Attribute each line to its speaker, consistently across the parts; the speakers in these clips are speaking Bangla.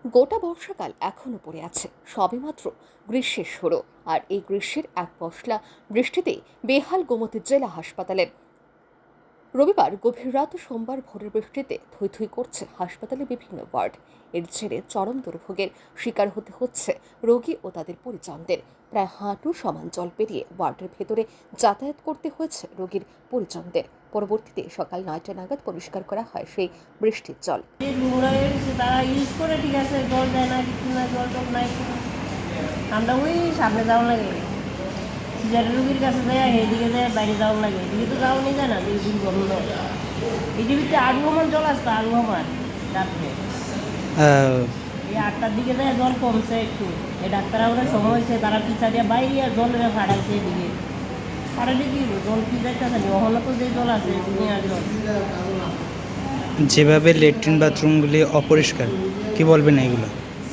Speaker 1: গোটা বর্ষাকাল এখনো পড়ে আছে, সবেমাত্র গ্রীষ্মের শুরু। আর এই গ্রীষ্মের এক পশলা বৃষ্টিতেই বেহাল গোমতী জেলা হাসপাতালের। রবিবার গভীর রাত ও সোমবার ভোরের বৃষ্টিতে থই থই করছে হাসপাতালের বিভিন্ন ওয়ার্ড। এর জেরে চরম দুর্ভোগের শিকার হতে হচ্ছে রোগী ও তাদের পরিজনদের। প্রায় হাঁটু সমান জল পেরিয়ে ওয়ার্ডের ভেতরে যাতায়াত করতে হয়েছে রোগীর পরিজনদের। পরবর্তীতে সকাল 9টা নাগাদ পরিষ্কার করা হয় সেই বৃষ্টির জল।
Speaker 2: তারা ইউজ করে, ঠিক আছে, জল দেয় না, কিছু না, জল টল নাই। আমরা ওই সামনে যাওয়া লাগে, সিজারের রুগীর কাছে যায়, এদিকে যায়, বাইরে যাওয়া লাগে। এদিকে তো যাওয়া নিয়ে যায় না, দুই বন্ধ। এটির ভিতরে আগুমান জল আসতো, আগুমান রাত্রে এই 8টার দিকে যায়, জল কমছে একটু। এই ডাক্তাররা ওরা সময় হয়েছে, তারা পিছা দিয়ে বাইরে আর জল ফাটাইছে এদিকে। ফাটাইলে কি জল কি যাইতেছে না, ওখানে তো যে জল আছে দুনিয়ার জল।
Speaker 3: যেভাবে ল্যাট্রিন বাথরুমগুলি অপরিষ্কার, কি বলবেন এগুলো?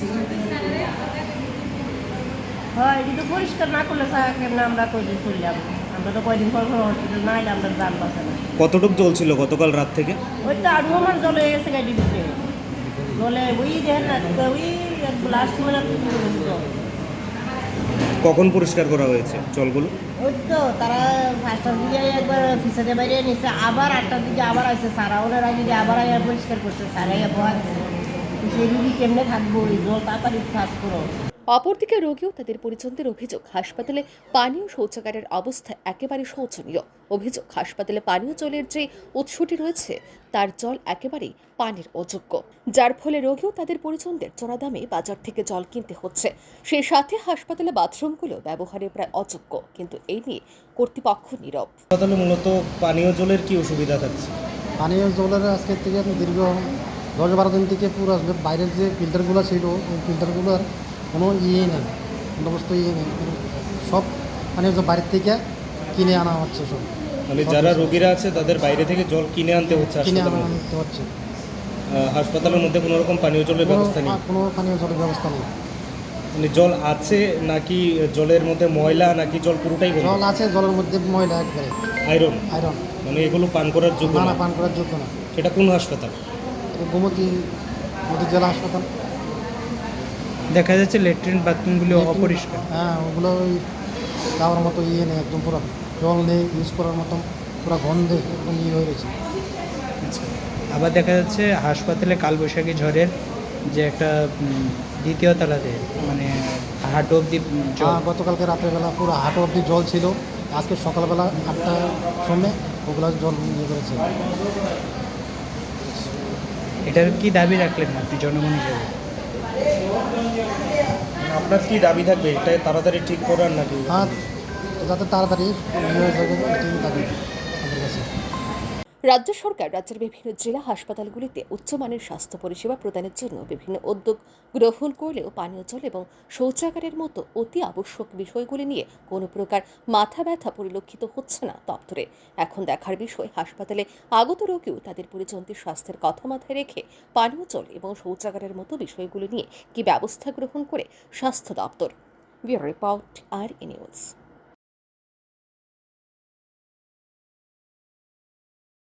Speaker 2: হ্যাঁ, এটি তো পরিষ্কার না করলে কেমন আমরা কয়দিন চললাম? আমরা তো কয়দিন পর হসপিটাল না এলে আমরা যান বাঁচে না।
Speaker 3: কতটুকু জল ছিল গতকাল রাত থেকে?
Speaker 2: ওই তো আরও আমার জল হয়ে গেছে গাড়ির ভিতরে। জলে ওই দেখেন না, ওই লাস্ট মিনিট জল।
Speaker 3: কখন পরিষ্কার করা হয়েছে জলগুলো?
Speaker 2: ওই তো তারা 5টার দিকে একবার ফিসাতে বাইরে নিচ্ছে, আবার 8টার দিকে আবার আসছে, সারা ওনার আগে আবার আয়া পরিষ্কার করছে, সারা আয়া বহা দিচ্ছে। সেই রুগী কেমনে থাকবো, ওই জল তাড়াতাড়ি কাজ করো।
Speaker 1: অপরদিকে রোগী ও তাদের পরিজনদের অভিযোগ, হাসপাতালে পানীয় শৌচাগারের অবস্থা একেবারে শোচনীয়। অভিযোগ, হাসপাতালে পানীয় জলের যে উৎসটি রয়েছে তার জল একেবারেই পানির অযোগ্য, যার ফলে রোগী ও তাদের পরিজনদের চড়া দামে বাজার থেকে জল কিনতে হচ্ছে। সেই সাথে হাসপাতালে বাথরুমগুলো ব্যবহারে প্রায় অযোগ্য, কিন্তু এই নিয়ে কর্তৃপক্ষ নীরব।
Speaker 3: হাসপাতালে মূলত পানীয় জলের কি অসুবিধা থাকছে?
Speaker 4: পানীয় জলের আজকের থেকে দীর্ঘ 10-12 দিন থেকে পুরো আসলে বাইরের যে ফিল্টারগুলো ছিল, ওই ফিল্টারগুলোর কোনো ইয়ে নেই, বন্দোবস্ত ইয়ে নেই। সব পানীয় জল বাইরের থেকে কিনে আনা হচ্ছে সব।
Speaker 3: মানে যারা রোগীরা আছে তাদের বাইরে থেকে জল কিনে আনতে হচ্ছে
Speaker 4: কিনে
Speaker 3: হাসপাতালে।
Speaker 4: আনতে হচ্ছে।
Speaker 3: হাসপাতালের মধ্যে কোনো রকম পানীয় জলের ব্যবস্থা নেই?
Speaker 4: কোনো পানীয় জলের ব্যবস্থা নেই।
Speaker 3: মানে জল আছে নাকি জলের মধ্যে ময়লা, নাকি জল পুরোটাই বন্ধ?
Speaker 4: জল আছে, জলের মধ্যে ময়লা একবারে
Speaker 3: আয়রন।
Speaker 4: আয়রন।
Speaker 3: মানে এগুলো পান করার যোগ্য
Speaker 4: না,
Speaker 3: না?
Speaker 4: পান করার যোগ্য না।
Speaker 3: সেটা কোন হাসপাতাল?
Speaker 4: গোমতী জেলা হাসপাতাল।
Speaker 3: দেখা যাচ্ছে ল্যাট্রিন বাথরুমগুলি অপরিষ্কার।
Speaker 4: হ্যাঁ, ওগুলো ওই যাওয়ার মতো ইয়ে নেই, একদম পুরো জল নেই ইউজ করার মতো, পুরো গন্ধে একদম ইয়ে হয়ে গেছে।
Speaker 3: আচ্ছা, আবার দেখা যাচ্ছে হাসপাতালে কালবৈশাখী ঝড়ের যে একটা দ্বিতীয় তলাতে মানে হাঁটু অব্দি জল।
Speaker 4: গতকালকে রাত্রেবেলা পুরো হাঁটু অব্দি জল ছিল। আজকে সকালবেলা 8টার সময় ওগুলো জল ইয়ে করেছে।
Speaker 3: এটার কি দাবি রাখলেন আপনি জনগণ হিসেবে? আপনার কি দাবি থাকবে এটা তাড়াতাড়ি ঠিক করার নাকি?
Speaker 4: হ্যাঁ, যাতে তাড়াতাড়ি ইয়ে হয়ে যাবে, এটাই দাবি আমাদের কাছে।
Speaker 1: রাজ্য সরকার রাজ্যের বিভিন্ন জেলা হাসপাতালগুলিতে উচ্চমানের স্বাস্থ্য পরিষেবা প্রদানের জন্য বিভিন্ন উদ্যোগ গ্রহণ করলেও পানীয় জল এবং শৌচাগারের মতো অতি আবশ্যক বিষয়গুলি নিয়ে কোনো প্রকার মাথা ব্যথা পরিলক্ষিত হচ্ছে না দপ্তরে। এখন দেখার বিষয়, হাসপাতালে আগত রোগীও তাদের পরিজনদের স্বাস্থ্যের কথা মাথায় রেখে পানীয় জল এবং শৌচাগারের মতো বিষয়গুলি নিয়ে কি ব্যবস্থা গ্রহণ করে স্বাস্থ্য দপ্তর। ব্যুরো রিপোর্ট, আর নিউজ।